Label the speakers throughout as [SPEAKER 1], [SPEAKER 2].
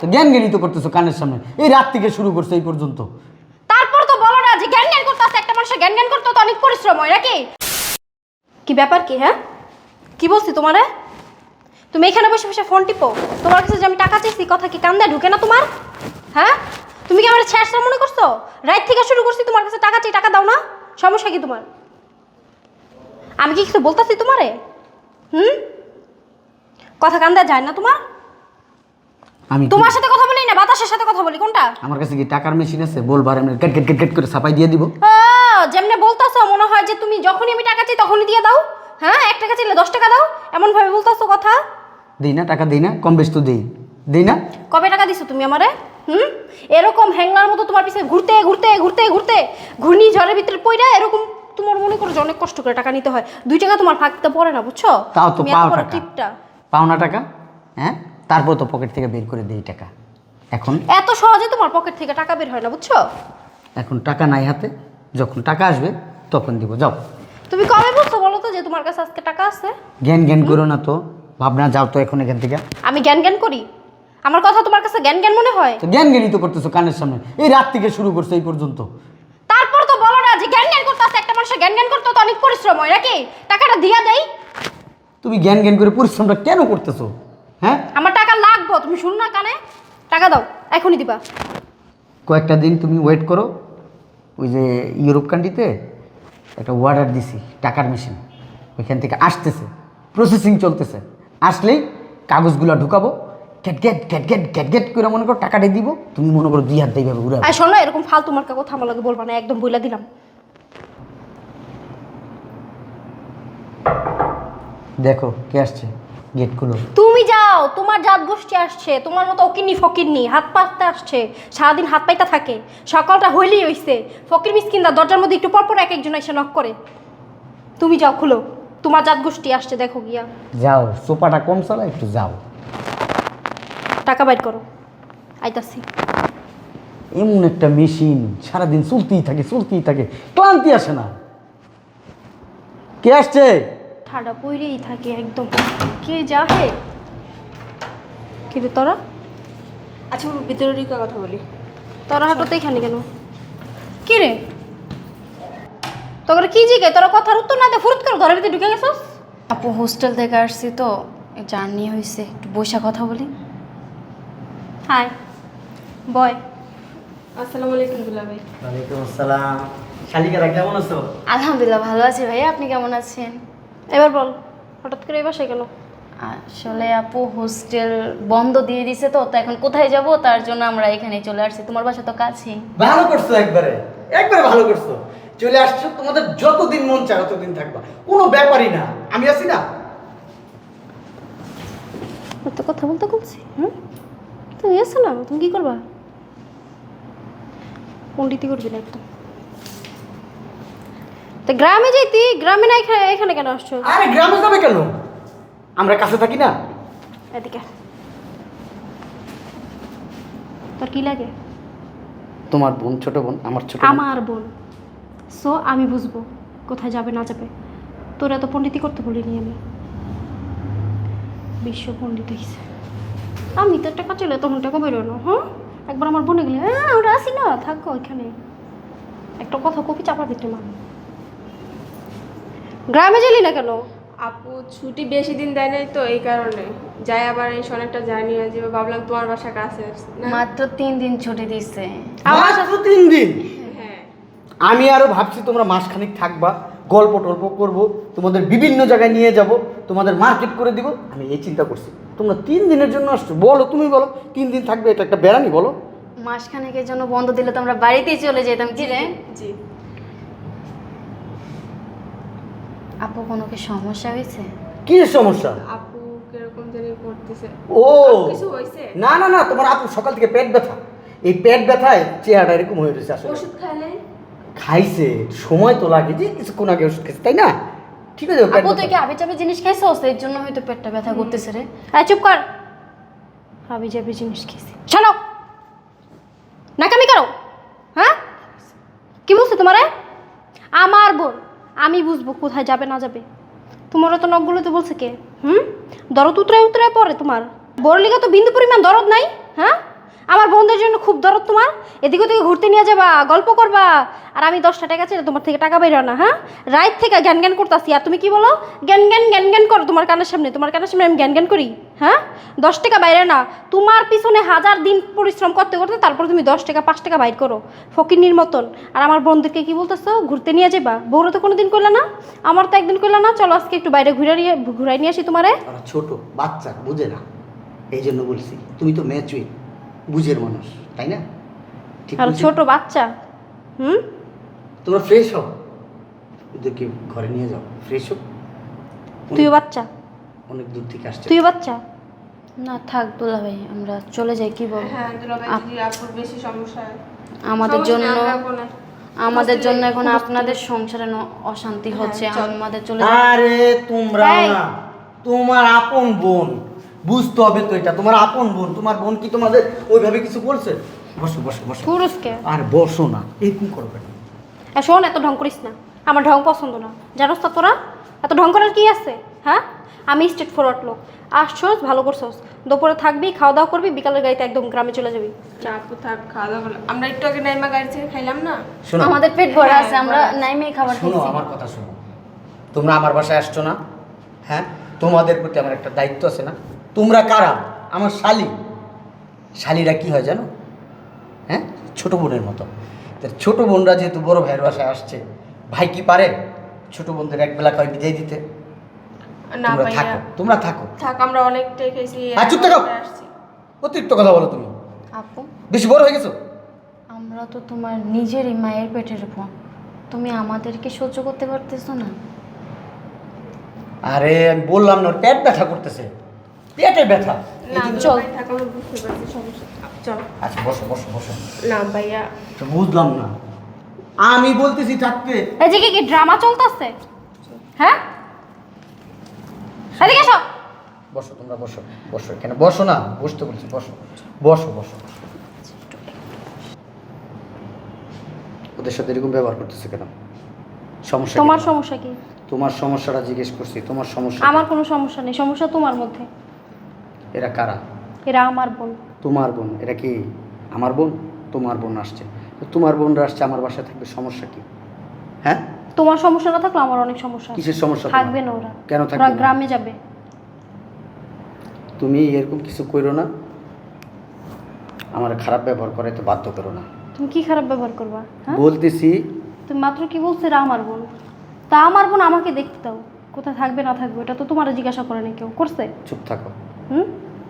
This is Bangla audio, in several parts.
[SPEAKER 1] তো জ্ঞান জ্ঞানী তো করতেছো কানের সামনে, এই রাত থেকে শুরু করছো এই পর্যন্ত।
[SPEAKER 2] তারপর তো বলো না যে জ্ঞান জ্ঞান করতে আছে। একটা মানুষের জ্ঞান জ্ঞান করতে তো অনেক পরিশ্রম হয় নাকি? কি ব্যাপার কি? হ্যাঁ, কি বলছি তোমারে? তুমি এখানে বসে বসে ফোন টিপো। তোমার কাছে যে আমি টাকা চাইছি, কথা কি কান দেয় ঢুকে না তোমার? হ্যাঁ, তুমি কি আমার শেষ মনে করছো? রাত থেকে শুরু করছি তোমার কাছে টাকা চাই, টাকা দাও না। সমস্যা কি তোমার? আমি কি কিছু বলতেছি তোমারে? কথা কান দেয়া যায় না তোমার?
[SPEAKER 1] আমি
[SPEAKER 2] তোমার সাথে কথা বলি না বাতাসের সাথে কথা বলি, কোনটা?
[SPEAKER 1] আমার কাছে কি টাকার মেশিন আছে? বলবার আমি গেট গেট গেট গেট করে ছাপাই দিয়ে দিব।
[SPEAKER 2] যেমনে বলতাছো মনে হয় যে তুমি যখনই আমি টাকা চাই তখনই দিয়ে দাও। হ্যাঁ, 1 টাকা চাইলে 10 টাকা দাও, এমন ভাবে বলতাছো কথা।
[SPEAKER 1] দিই না টাকা, দিই না কম বেশ তো দিই না।
[SPEAKER 2] কবে টাকা দিছো তুমি আমারে? এরকম হ্যাংলার মতো তোমার পিছে ঘুরতে ঘুরতে ঘুরতে ঘুরতে ঘূর্ণি ঝড়ের ভিতরে পইরা এরকম তোমার মনে করো যে অনেক কষ্ট করে টাকা নিতে হয়। 2 টাকা তোমার ফাঁকতে পড়ে না, বুঝছো?
[SPEAKER 1] তাও তো
[SPEAKER 2] তুমি এত
[SPEAKER 1] পাও
[SPEAKER 2] বড়
[SPEAKER 1] টাকা,
[SPEAKER 2] টিপটা।
[SPEAKER 1] পাও না টাকা। হ্যাঁ, তারপর তো পকেট থেকে বের করে দেই টাকা। এখন
[SPEAKER 2] এত সহজে তোমার পকেট থেকে টাকা বের হয় না, বুঝছো?
[SPEAKER 1] এখন টাকা নাই হাতে, যখন টাকা আসবে তখন দিব। যাও।
[SPEAKER 2] তুমি কবে বলছো বলো তো যে তোমার কাছে আজকে টাকা আছে?
[SPEAKER 1] জ্ঞান জ্ঞান করো না তো, ভাবনা যাও তো এখন এখান থেকে।
[SPEAKER 2] আমি জ্ঞান জ্ঞান করি? আমার কথা তোমার কাছে জ্ঞান জ্ঞান মনে হয়?
[SPEAKER 1] তো জ্ঞান জ্ঞানী তো করতেছো কানের সামনে, এই রাত থেকে শুরু করছো এই পর্যন্ত।
[SPEAKER 2] তারপর তো বলো না যে জ্ঞান জ্ঞান করতে আছে। একটা মানুষের জ্ঞান জ্ঞান করতে তো অনেক পরিশ্রম হয় নাকি? টাকাটা দিয়া দেই।
[SPEAKER 1] তুমি জ্ঞান জ্ঞান করে পরিশ্রমটা কেন করতেছো? হ্যাঁ,
[SPEAKER 2] আমার টাকা লাগবে, তুমি শুনো না কানে? টাকা দাও, এখনই দিবা।
[SPEAKER 1] কয়েকটা দিন তুমি ওয়েট করো। ওই যে ইউরোপ কান্ট্রিতে একটা অর্ডার দিছি টাকার মেশিন, ওইখান থেকে আসতেছে, প্রসেসিং চলতেছে। আসলেই কাগজগুলো ঢুকাবো, গ্যাট গ্যাট গ্যাট গ্যাট গ্যাট গ্যাট করে মনে করো টাকাটা দিব। তুমি মনে করো 2 হাত এইভাবে ঘুরাবে।
[SPEAKER 2] আর শোনো, এরকম ফালতু মার্কা কথা আমার লাগে বলবা না, একদম বইলা দিলাম।
[SPEAKER 1] দেখো কে আসছে, গেট খুলো।
[SPEAKER 2] তুমি যাও, তোমার জাত গোষ্ঠী আসছে, তোমার মতো অকিন্নি ফকিন্নি হাত পাততে আসছে, সারাদিন হাত পাইতে থাকে। সকালটা হইলেই হইছে ফকির মিসকিনরা দরজার মধ্যে একটু পরপর এক একজন এসে নক করে। তুমি যাও, খুলো, তোমার জাত গোষ্ঠী আসছে, দেখো গিয়া।
[SPEAKER 1] যাও, সোপাটা কম চালা, একটু যাও।
[SPEAKER 2] টাকা বাইর করো, আইতাছি।
[SPEAKER 1] এমন একটা মেশিন সারাদিন চলতেই থাকে চলতেই থাকে, ক্লান্তি আসে না। কে আসছে?
[SPEAKER 2] ঠাডা পইরেই থাকে একদম। কে যাহে? কি রে তোরা?
[SPEAKER 3] আচ্ছা ভিতরে ঢুকে কথা বলি।
[SPEAKER 2] তোরা হাঁটোতে এখানে কেন? কি রে তোরা কি জিগে? তোরা কথার উত্তর না দে ফুরুত করে ঘরের ভিতরে ঢুকে গেছস।
[SPEAKER 3] আপু হোস্টেল থেকে আসছি তো, জার্নি হয়েছে, একটু বসে কথা বলি।
[SPEAKER 2] Hi boy.
[SPEAKER 3] আসসালামু আলাইকুম দুলা ভাই।
[SPEAKER 1] ওয়ালাইকুম আসসালাম। শালিকারা কেমন আছো?
[SPEAKER 3] আলহামদুলিল্লাহ ভালো আছি ভাই, আপনি কেমন আছেন?
[SPEAKER 2] এবার বল, হঠাৎ করে এই বাসায় কেন?
[SPEAKER 3] আসলে আপু হোস্টেল বন্ধ দিয়ে দিছে তো এখন কোথায় যাব, তার জন্য আমরা এখানে চলে আসছি। তোমার বাসা তো কাছেই।
[SPEAKER 1] ভালো করছো, একবারে একবারে ভালো করছো। চলে আসছো, তোমাদের যতদিন মন চায় ততদিন থাকবা, কোনো ব্যাপারই না, আমি আছি না।
[SPEAKER 2] এত কথা বলতে বলছি। তুমি এসো না, তুমি কি করবা? পণ্ডিতি করবি না একদম। তা গ্রামে যাইতি, গ্রামে না এখানে কেন আসছো?
[SPEAKER 1] আরে গ্রামে যাবে কেন, আমরা কাছে থাকি না।
[SPEAKER 2] এদিকে তোর কি লাগে?
[SPEAKER 1] তোমার বোন, ছোট বোন, আমার ছোট বোন।
[SPEAKER 2] আমার বোন, সো আমি বুঝবো কোথায় যাবে না যাবে। তোর এত পণ্ডিতি করতে বলিনি আমি। বিশ্ব পণ্ডিত হয়েছে। আমি তো টাকা চলে তখন টাকা বেরোনো। একবার আমার বোনে গেলে আমরা আসি না, থাকো ওইখানে। একটা কথা কপি চাপা দিতে মা। গ্রামে গেলি না কেন?
[SPEAKER 4] আপু ছুটি বেশি দিন দেয় নাই তো, এই কারণে যাই। আবার এই অনেকটা জার্নি হয়ে যাবে, ভাবলাম তোমার বাসা কাছে না।
[SPEAKER 3] মাত্র 3 দিন ছুটি দিচ্ছে।
[SPEAKER 1] মাত্র 3 দিন?
[SPEAKER 4] হ্যাঁ,
[SPEAKER 1] আমি আরো ভাবছি তোমরা মাসখানিক থাকবা, গল্প টল্প করবো, তোমাদের বিভিন্ন জায়গায় নিয়ে যাব, তোমাদের মার্কেট করে দিব, আমি এই চিন্তা করছি। তোমরা 3 দিনের জন্য আসছো, বলো তুমি বলো 3 দিন থাকবে, এটা একটা বেড়ানি বলো।
[SPEAKER 3] মাসখানেকের জন্য বন্ধ দিলে তো আমরা বাড়িতেই চলে যেতাম, কি রে?
[SPEAKER 4] জি।
[SPEAKER 3] আপু কোনো কি সমস্যা হয়েছে?
[SPEAKER 1] কি সমস্যা?
[SPEAKER 4] আপু কিরকম জানি করতেছে।
[SPEAKER 1] ও
[SPEAKER 4] কিছু হয়েছে?
[SPEAKER 1] না না না, তোমার আপু সকাল থেকে পেট ব্যথা, এই পেট ব্যথায় চেহারাটা এরকম হয়ে রয়েছে। আসলে
[SPEAKER 4] ওষুধ খাইলে?
[SPEAKER 1] খাইছে, সময় তো লাগে, যে কিছুক্ষণ আগে ওষুধ খেয়েছে, তাই না? ঠিক আছে, পেট
[SPEAKER 3] আপু তুই কি
[SPEAKER 1] ব্যথা।
[SPEAKER 3] আবে চাবে জিনিস খাইছো, এর জন্য হয়তো পেটটা ব্যথা করতেছে রে।
[SPEAKER 2] চুপ কর। হাবি যাবি জিনিস খেয়েছি। শোনো, নাকামি করো। হ্যাঁ, কি বলছো তোমারে? আমার বোন, আমি বুঝবো কোথায় যাবে না যাবে। তোমারও তো নখগুলোতে বলছে কে? দরদ উতরায় উতরায় পড়ে তোমার। বড় লিগা তো বিন্দু পরিমাণ দরদ নাই। হ্যাঁ, খুব দরদ তোমার? এদিকে ওদিকে ঘুরতে নিয়ে যাবা, গল্প করবা, আর আমি 10টা টাকা চাই তোমার থেকে টাকা বের হয় না। হ্যাঁ, রাত থেকে জ্ঞান জ্ঞান করতেছি, আর তুমি কি বলো? জ্ঞান জ্ঞান জ্ঞান জ্ঞান করো তোমার কানের সামনে, তোমার কানের সামনে আমি জ্ঞান জ্ঞান করি? হ্যাঁ, 10 টাকা বাইরে না, তোমার পিছনে 1000 দিন পরিশ্রম করতে করতে তারপর তুমি 10 টাকা 5 টাকা বাইর করো ফকিন্নির মতন। আর আমার বোনদেরকে কি বলতেছো ঘুরতে নিয়ে যাবা? বউরা তো কোনোদিন কইলা না, আমার তো একদিন কইলা না চলো আজকে একটু বাইরে ঘুরাই নিয়ে আসি তোমারে।
[SPEAKER 1] ওরা ছোট বাচ্চা, বুঝে না, এই জন্য বলছি। তুমি তো ম্যাচুইট, বুঝের মানুষ, তাই না? ঠিক
[SPEAKER 2] আর
[SPEAKER 1] বলছি?
[SPEAKER 2] ছোট বাচ্চা।
[SPEAKER 1] তোমরা ফ্রেশ হও, ওদেরকে ঘরে নিয়ে যাও, ফ্রেশ হোক।
[SPEAKER 2] তুইও বাচ্চা,
[SPEAKER 1] অনেক দূর থেকে আসছে।
[SPEAKER 2] তুইও বাচ্চা।
[SPEAKER 3] না থাক দুলা ভাই, আমরা চলে যাই, কি বল?
[SPEAKER 4] হ্যাঁ দুলাভাই, যদি আপুর বেশি সমস্যা হয়
[SPEAKER 3] আমাদের
[SPEAKER 4] সমস্যা
[SPEAKER 3] জন্য
[SPEAKER 4] নেই, আমরা এখন
[SPEAKER 3] আমাদের
[SPEAKER 4] বুঝতে
[SPEAKER 3] জন্য
[SPEAKER 4] পারি,
[SPEAKER 3] এখন
[SPEAKER 4] বুঝতে
[SPEAKER 3] আপনাদের সংসারে অশান্তি হচ্ছে,
[SPEAKER 4] চল।
[SPEAKER 3] আমাদের চলে যাই।
[SPEAKER 1] আরে তোমরা
[SPEAKER 2] এই।
[SPEAKER 1] না, তোমার আপন বোন, বুঝতে হবে তো, এটা তোমার আপন বোন। তোমার বোন কি তোমাদের ওইভাবে কিছু বলছে? বসো বসো বসো।
[SPEAKER 2] পুরুষকে
[SPEAKER 1] আর বসো না, এরকম করবে না।
[SPEAKER 2] শোন, এত ঢং করিস না, আমার ঢং পছন্দ না, জানোস তো তোরা? এত ঢং করার কি আছে? হ্যাঁ, আমি স্ট্রেট ফরওয়ার্ড লোক। আসছোস, ভালো করছোস, দুপুরে থাকবি, খাওয়া দাওয়া করবি, বিকালের গাড়িতে একদম গ্রামে চলে যাবি।
[SPEAKER 4] না আপু থাক, খাওয়া দাওয়া করলাম। আমরা একটু আগে নাইমা গাড়ি থেকে খাইলাম না।
[SPEAKER 1] শোনো,
[SPEAKER 3] আমাদের পেট ভরা
[SPEAKER 4] হ্যাঁ,
[SPEAKER 3] আছে, আমরা
[SPEAKER 4] ভরা আছে।
[SPEAKER 3] নাইমে খাবার
[SPEAKER 1] শোনো
[SPEAKER 3] খাইছি।
[SPEAKER 1] আমার কথা শোনো। তোমরা আমার বাসায় আসছো না? হ্যাঁ, তোমাদের প্রতি আমার একটা দায়িত্ব আছে না? তোমরা কারা? আমার শালি। শালিরা কি হয় জানো? হ্যাঁ, ছোট বোনের মতো। তো ছোট বোনরা যেহেতু বড় ভাইয়ের বাসায় আসছে, ভাই কি পারে ছোট বোনদের এক বেলা খাওয়াই বিদায় দিতে?
[SPEAKER 4] না
[SPEAKER 1] তোমরা
[SPEAKER 4] ভাইয়া
[SPEAKER 1] থাকো, তোমরা থাকো।
[SPEAKER 4] থাক, আমরা অনেকটাই খেয়েছি।
[SPEAKER 1] আর চুপ থাকো।
[SPEAKER 4] আমরা আসছি।
[SPEAKER 1] অতিরিক্ত কথা বলো তুমি,
[SPEAKER 3] আপু,
[SPEAKER 1] বেশি বড় হয়ে গেছো।
[SPEAKER 3] আমরা তো তোমার নিজেরই মায়ের পেটের বোন, তুমি আমাদেরকে সহ্য করতে পারতেছো না?
[SPEAKER 1] আরে আমি বললাম না, ওর পেট ব্যথা করতেছে, পেটে ব্যথা।
[SPEAKER 4] না
[SPEAKER 2] চল।
[SPEAKER 4] দুলাভাই থাক, আমরা বুঝতে পারছি সমস্যা। চল।
[SPEAKER 1] আচ্ছা বসো বসো বসো।
[SPEAKER 4] না ভাইয়া,
[SPEAKER 1] তো বুঝলাম না, আমি বলতেছি থাকতে।
[SPEAKER 2] এদিকে কি ড্রামা চলতেছে? হ্যাঁ, এদিকে এসো।
[SPEAKER 1] বসো, তোমরা বসো বসো, এখানে বসো না, বসতে বলছি, বসো বসো বসো। ওদের সাথে এরকম ব্যবহার করতেছে কেন? সমস্যা
[SPEAKER 2] তোমার
[SPEAKER 1] কি?
[SPEAKER 2] সমস্যা কি?
[SPEAKER 1] তোমার সমস্যাটা জিজ্ঞেস করছি, তোমার সমস্যা
[SPEAKER 2] আমার
[SPEAKER 1] কি?
[SPEAKER 2] কোনো সমস্যা নেই, সমস্যা তোমার মধ্যে।
[SPEAKER 1] এরা কারা?
[SPEAKER 2] এরা আমার বোন।
[SPEAKER 1] তোমার বোন? এরা কি আমার বোন? তোমার বোন আসছে, তো তোমার বোনরা আসছে আমার বাসায়, থাকবে, সমস্যা কি? হ্যাঁ,
[SPEAKER 2] তোমার সমস্যা না থাকলে আমার অনেক সমস্যা আছে।
[SPEAKER 1] কিসের সমস্যা তোমার?
[SPEAKER 2] থাকবে না ওরা।
[SPEAKER 1] কেন
[SPEAKER 2] ওরা
[SPEAKER 1] থাকবে না?
[SPEAKER 2] গ্রামে যাবে।
[SPEAKER 1] তুমি এরকম কিছু করো না, আমার খারাপ ব্যবহার করাইতে বাধ্য করো না।
[SPEAKER 2] তুমি কি খারাপ ব্যবহার করবা? হ্যাঁ,
[SPEAKER 1] বলতেছি।
[SPEAKER 2] তুমি মাত্র কি বলছো এরা আমার বোন? তা আমার বোন আমাকে দেখতে দাও, কোথায় থাকবে না থাকবে এটা তো তোমার জিজ্ঞাসা করে না কেউ, করছে?
[SPEAKER 1] চুপ থাকো।
[SPEAKER 2] হুম,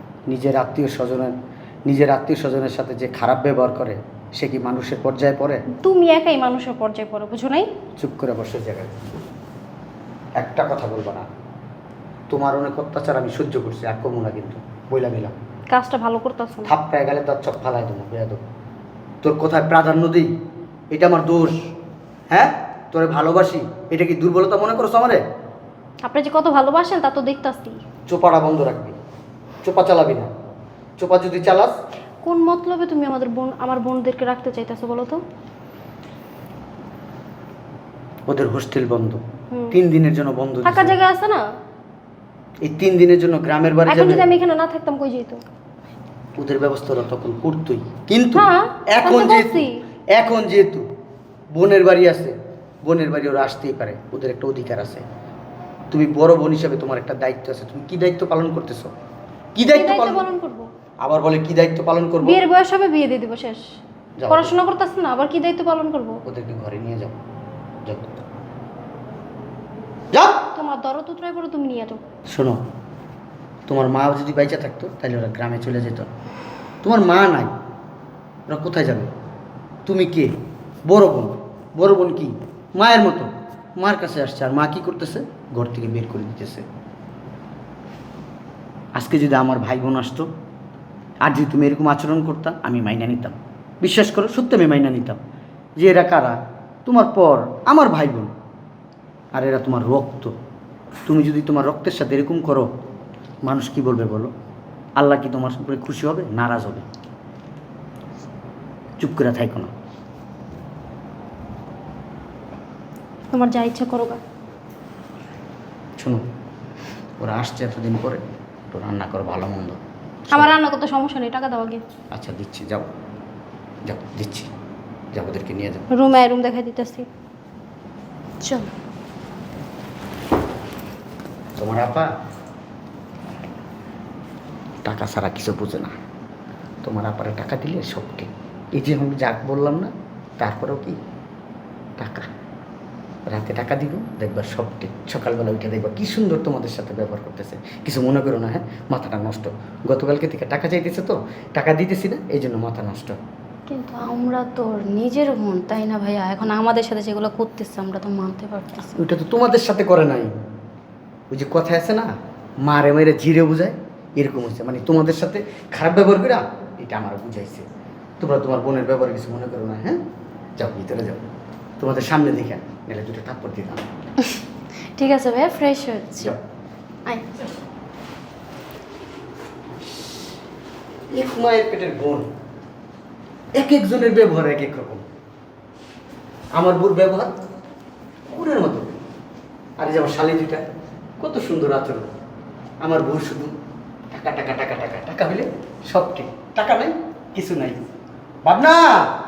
[SPEAKER 1] নিজের আত্মীয় স্বজনের সাথে যে খারাপ ব্যবহার করে, সে কি মানুষের পর্যায়ে পড়ে?
[SPEAKER 2] তুমি একাই মানুষের পর্যায়ে পড়ো, বুঝো নাই?
[SPEAKER 1] চুপ করে বসে জায়গায়, একটা কথা বলবো না। তোমার অনেক অত্যাচার আমি সহ্য করছি, আর কমু না কিন্তু, বইলা দিলাম।
[SPEAKER 2] কাজটা ভালো করতেছো না।
[SPEAKER 1] থাপ্পায় গেলে তার চপ ফালাই দেবো, বেয়াদব। তোর কোথায় প্রাধান্য দিই, এটা আমার দোষ। হ্যাঁ, তোরে ভালোবাসি, এটা কি দুর্বলতা মনে করছো আমারে?
[SPEAKER 2] আপনি যে কত ভালোবাসেন তা তো দেখতাছি।
[SPEAKER 1] চোপাটা বন্ধ রাখবি, চোপা চালাবি না। চোপা যদি চালাস,
[SPEAKER 2] কোন মতলবে তুমি আমার বোনদেরকে রাখতে চাইতেছো বলো তো?
[SPEAKER 1] ওদের হোস্টেল বন্ধ,
[SPEAKER 2] হুম।
[SPEAKER 1] 3 দিনের জন্য বন্ধ
[SPEAKER 2] থাকার
[SPEAKER 1] দিছে।
[SPEAKER 2] জায়গা আছে না?
[SPEAKER 1] এই 3 দিনের জন্য গ্রামের বাড়ি
[SPEAKER 2] এখন
[SPEAKER 1] যাবে।
[SPEAKER 2] যদি আমি এখানে না থাকতাম কই যেত?
[SPEAKER 1] ওদের ব্যবস্থা ওরা তখন করতোই, কিন্তু
[SPEAKER 2] হ্যাঁ,
[SPEAKER 1] এখন
[SPEAKER 2] আমি তো
[SPEAKER 1] যেহেতু
[SPEAKER 2] বলছি।
[SPEAKER 1] এখন যেহেতু বোনের বাড়ি আছে, বোনের বাড়ি ওরা আসতেই পারে, ওদের একটা অধিকার আছে। তুমি বড় বোন হিসাবে তোমার একটা দায়িত্ব আছে। তুমি কি দায়িত্ব পালন করতেছো? কি
[SPEAKER 2] কি
[SPEAKER 1] দায়িত্ব
[SPEAKER 2] দায়িত্ব
[SPEAKER 1] পালন?
[SPEAKER 2] পালন করবো?
[SPEAKER 1] আবার বলে কি দায়িত্ব পালন করবো?
[SPEAKER 2] বিয়ের বয়স হবে, বিয়ে দিয়ে দিব, শেষ।
[SPEAKER 1] যাও।
[SPEAKER 2] পড়াশোনা করতেছ না, আবার কি দায়িত্ব পালন করবো?
[SPEAKER 1] ওদেরকে ঘরে নিয়ে যাও, যাও যাও।
[SPEAKER 2] তোমার দরদ উতরাই পড়ো, তুমি নিয়ে যাও।
[SPEAKER 1] শোনো, তোমার মা যদি বাইচা থাকতো তাহলে ওরা গ্রামে চলে যেত। তোমার মা নাই, ওরা কোথায় যাবে? তুমি কে? বড় বোন। বড় বোন কি মায়ের মতো, মার কাছে আসছে, আর মা কি করতেছে? ঘর থেকে বের করে দিতেছে। আজকে যদি আমার ভাই বোন আসতো, আর যদি তুমি এরকম আচরণ করতা, আমি মাইনা নিতাম। বিশ্বাস করো, সত্যি আমি মাইনা নিতাম যে এরা কারা, তোমার পর আমার ভাই বোন, আর এরা তোমার রক্ত। তুমি যদি তোমার রক্তের সাথে এরকম করো, মানুষ কি বলবে বলো? আল্লাহ কি তোমার উপরে খুশি হবে? নারাজ হবে। চুপ করে থাইকো না।
[SPEAKER 2] তোমার যা ইচ্ছা করো গা।
[SPEAKER 1] শোনো, ওরা আসছে এতদিন পরে, একটু রান্না করো ভালো মন্দ।
[SPEAKER 2] আমার রান্না করতে সমস্যা নেই, টাকা দাও আগে।
[SPEAKER 1] আচ্ছা দিচ্ছি, যাও। যাও দিচ্ছি, যাও ওদেরকে নিয়ে যাও।
[SPEAKER 2] রুম দেখাই দিতেছি।
[SPEAKER 3] চল।
[SPEAKER 1] তোমার আপা টাকা ছাড়া কিছু বুঝে না। তোমার আপারে টাকা দিলে সব ঠিক। এই যে আমি যাক বললাম না, তারপরেও কি টাকা, রাতে টাকা দিব, দেখবা সব ঠিক। সকালবেলা উঠে দেখবা কি সুন্দর তোমাদের সাথে ব্যবহার করতেছে। কিছু মনে করো না, হ্যাঁ? মাথাটা নষ্ট। গতকালকে থেকে টাকা চাইতেছে তো, টাকা দিতেছি না, এই জন্য মাথা নষ্ট।
[SPEAKER 3] কিন্তু আমরা তোর নিজের বোন, তাই না ভাইয়া? এখন আমাদের সাথে যেগুলো করতেছে আমরা তো মানতে পারতেছি।
[SPEAKER 1] ওইটা তো তোমাদের সাথে করে নাই। ওই যে কথা আছে না, মারে মেরে জিরে বুঝায়, এরকম হচ্ছে। মানে তোমাদের সাথে খারাপ ব্যবহার করা এটা আমার বুঝাইছে। তোমরা তোমার বোনের ব্যবহার কিছু মনে করো না, হ্যাঁ? যাও ভিতরে যাও, তোমাদের সামনে দেখে গেলে দুটো থাপ্পড় দিতাম।
[SPEAKER 3] ঠিক আছে ভাইয়া, ফ্রেশ হচ্ছে।
[SPEAKER 1] যাও।
[SPEAKER 3] আয়।
[SPEAKER 1] এক মায়ের পেটের বোন, এক একজনের ব্যবহার এক এক রকম। আমার বোর ব্যবহার কুকুরের মতো। আর এই যে আমার শালি দুইটা, কত সুন্দর আচরণ। আমার বউ শুধু টাকা টাকা টাকা টাকা টাকা হইলে সব ঠিক, টাকা নাই কিছু নাই। ভাবনা